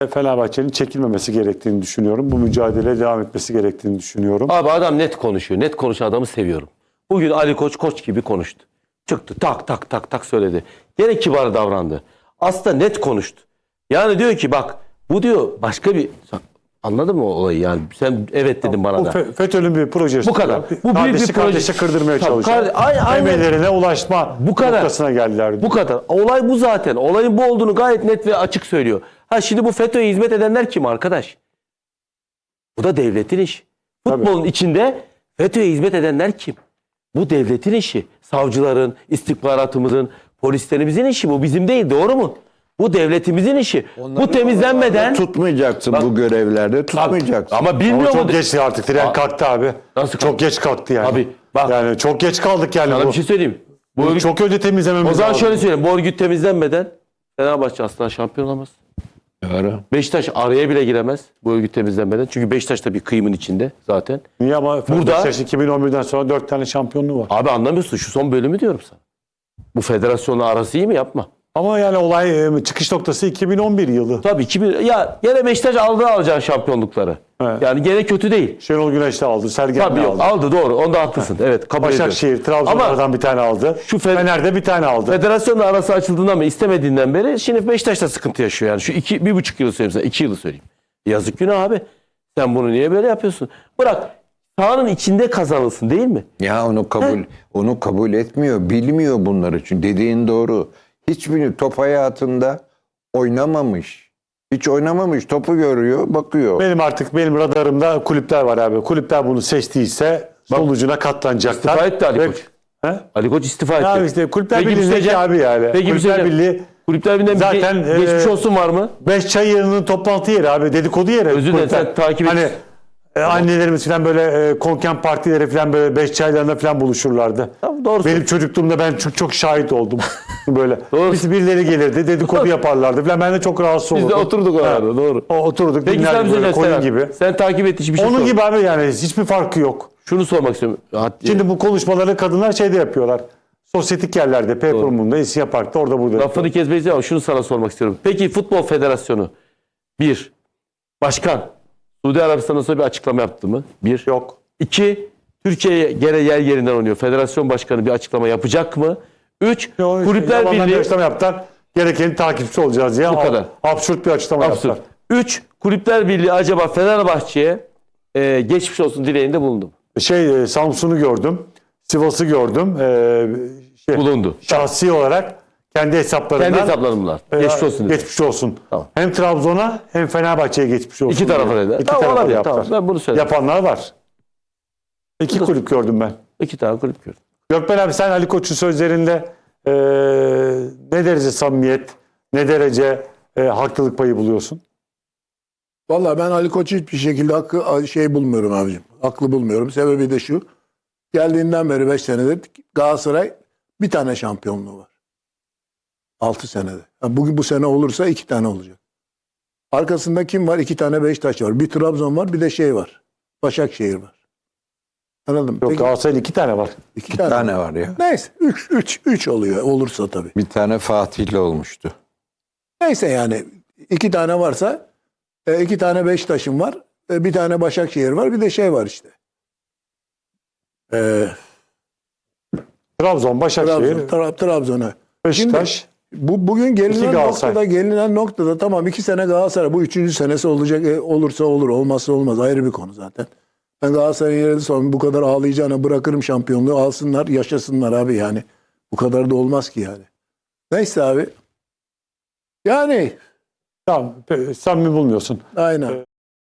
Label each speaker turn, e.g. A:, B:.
A: Fenerbahçe'nin çekilmemesi gerektiğini düşünüyorum. Bu mücadeleye devam etmesi gerektiğini düşünüyorum.
B: Abi adam net konuşuyor. Net konuşan adamı seviyorum. Bugün Ali Koç koç gibi konuştu. Çıktı tak tak tak tak söyledi. Gene kibar davrandı. Aslında net konuştu. Yani diyor ki bak bu diyor başka bir... Anladın mı o olayı yani? Sen evet dedin bana da.
A: Bu FETÖ'nün bir projesi.
B: Bu kadar. Bu büyük bir proje.
A: Kardeşi kırdırmaya çalışıyor. Emellerine ulaşma noktasına geldiler.
B: Bu kadar. Olay bu zaten. Olayın bu olduğunu gayet net ve açık söylüyor. Ha şimdi bu FETÖ'ye hizmet edenler kim arkadaş? Bu da devletin işi. Futbolun içinde FETÖ'ye hizmet edenler kim? Bu devletin işi. Savcıların, istihbaratımızın, polislerimizin işi. Bu bizim değil. Doğru mu? Bu devletimizin işi. Bu temizlenmeden...
C: Tutmayacaksın bu görevlerde. Tutmayacaksın.
B: Ama bilmiyor
A: Ama
B: mu?
A: çok geç artık. Tren kalktı abi.
B: Nasıl
A: çok geç kalktı yani.
B: Abi bak.
A: Yani çok geç kaldık yani.
B: Sana bir şey söyleyeyim. Bu örgüt,
A: çok önce temizlememiz lazım.
B: o zaman şöyle söyleyeyim. Bu örgüt temizlenmeden Fenerbahçe asla şampiyon olamaz. Beşiktaş araya bile giremez bu örgüt temizlenmeden. Çünkü Beşiktaş da bir kıyımın içinde zaten.
A: Niye ama
B: burada
A: Beşiktaş 2011'den sonra 4 tane şampiyonluğu var.
B: Abi anlamıyorsun. Şu son bölümü diyorum sana. Bu federasyonla arası iyi mi? Yapma.
A: Ama yani olay çıkış noktası 2011 yılı.
B: Tabii 2000 ya gene Beşiktaş alacağı şampiyonlukları.
A: Evet.
B: Yani gene kötü değil.
A: Şenol Güneş de aldı. Sergen
B: Tabii
A: de
B: yok,
A: aldı.
B: aldı doğru. Onda haklısın. Evet kabul ediyorum.
A: Başakşehir, Trabzon'dan bir tane aldı. Fener'de bir tane aldı.
B: Federasyonla arası açıldığından beri istemediğinden beri şimdi Beşiktaş da sıkıntı yaşıyor yani. Şu 1,5 yılı söyleyeyim sana. 2 yılı söyleyeyim. Yazık günah abi. Sen bunu niye böyle yapıyorsun? Bırak sahanın içinde kazanılsın değil mi?
C: Ya onu kabul etmiyor. Bilmiyor bunları için. Dediğin doğru. Hiçbir top hayatında oynamamış. Hiç oynamamış. Topu görüyor, bakıyor.
A: Benim radarımda kulüpler var abi. Kulüpler bunu seçtiyse sonucuna katlanacaklar.
B: İstifa etti Ali Koç. Ali Koç istifa etti.
A: Ya işte Kulüpler
B: Peki
A: Birliği'ndeki abi yani.
B: Peki
A: Kulüpler Birliği
B: Kulüpler Birliği'nden
A: zaten
B: geçmiş olsun var mı?
A: Beşçayırı'nın toplantı yeri abi. Dedikodu yeri.
B: Özür dilerim sen takip et.
A: Hani annelerimiz falan böyle konken partileri falan böyle beş çaylarında falan buluşurlardı.
B: Tamam, doğru.
A: Benim çocukluğumda ben çok şahit oldum. Böyle.
B: Doğru.
A: Birileri gelirdi, dedikodu yaparlardı falan. Ben de çok rahatsız olurdum.
B: Biz de oturduk orada doğru.
A: Oturduk,
B: Peki sen
A: dinlerdik böyle
B: bize
A: koyun gibi.
B: Sen takip et hiçbir şey
A: Onun
B: sor.
A: gibi abi yani hiçbir farkı yok.
B: Şunu sormak istiyorum.
A: Şimdi bu konuşmaları kadınlar şeyde yapıyorlar. Sosyetik yerlerde, Peykurum'da, İsya Park'ta, orada burada.
B: Lafını kesmeyiz ama şunu sana sormak istiyorum. Peki Futbol Federasyonu başkan Suudi Arabistan'dan sonra bir açıklama yaptı mı?
A: Yok.
B: 2, Türkiye'ye gene yer yerinden oynuyor. Federasyon başkanı bir açıklama yapacak mı? 3, Kulüpler Birliği
A: açıklama yaptılar. Gerekeni takipçi olacağız diye.
B: Bu kadar.
A: Absürt bir açıklama yaptılar.
B: 3, Kulüpler Birliği acaba Fenerbahçe'ye geçmiş olsun dileğinde bulundu mu?
A: Samsun'u gördüm. Sivas'ı gördüm.
B: Bulundu.
A: Şahsi olarak kendi hesaplarından.
B: Kendi hesaplarımlar. Geçmiş olsun.
A: Geçmiş olsun.
B: Tamam.
A: Hem Trabzon'a hem Fenerbahçe'ye geçmiş olsun.
B: İki tarafa da.
A: İki
B: Tamam,
A: tarafa da
B: olabilir,
A: yaptılar.
B: tamam. Ben bunu söyledim.
A: Yapanlar var. İki kulüp gördüm ben.
B: 2 tane kulüp gördüm.
A: Gökmen abi sen Ali Koç'un sözlerinde ne derece samimiyet, ne derece haklılık payı buluyorsun?
D: Vallahi ben Ali Koç'u hiçbir şekilde bulmuyorum abicim. Haklı bulmuyorum. Sebebi de şu. Geldiğinden beri 5 senedir Galatasaray bir tane şampiyonluğu var. 6 senede. Yani bugün bu sene olursa 2 tane olacak. Arkasında kim var? 2 tane Beşiktaş var. Bir Trabzon var, bir de var. Başakşehir var. Anladın mı?
A: Yok, Galatasaray'ın 2 tane var.
D: 2
C: tane var ya.
D: Neyse 3 oluyor olursa tabii.
C: Bir tane Fatih'le olmuştu.
D: Neyse yani 2 tane varsa 2 tane Beşiktaş'ın var. Bir tane Başakşehir var. Bir de var işte.
A: Trabzon, Başakşehir,
D: Trabzon'a.
A: Beşiktaş.
D: Bugün gelinen noktada tamam 2 sene Galatasaray. Bu 3. senesi olacak. Olursa olur. Olmazsa olmaz. Ayrı bir konu zaten. Ben Galatasaray'ın yerinde sonra bu kadar ağlayacağına bırakırım şampiyonluğu. Alsınlar, yaşasınlar abi yani. Bu kadar da olmaz ki yani. Neyse abi. Yani.
A: Tamam, samimi bulmuyorsun.
D: Aynen.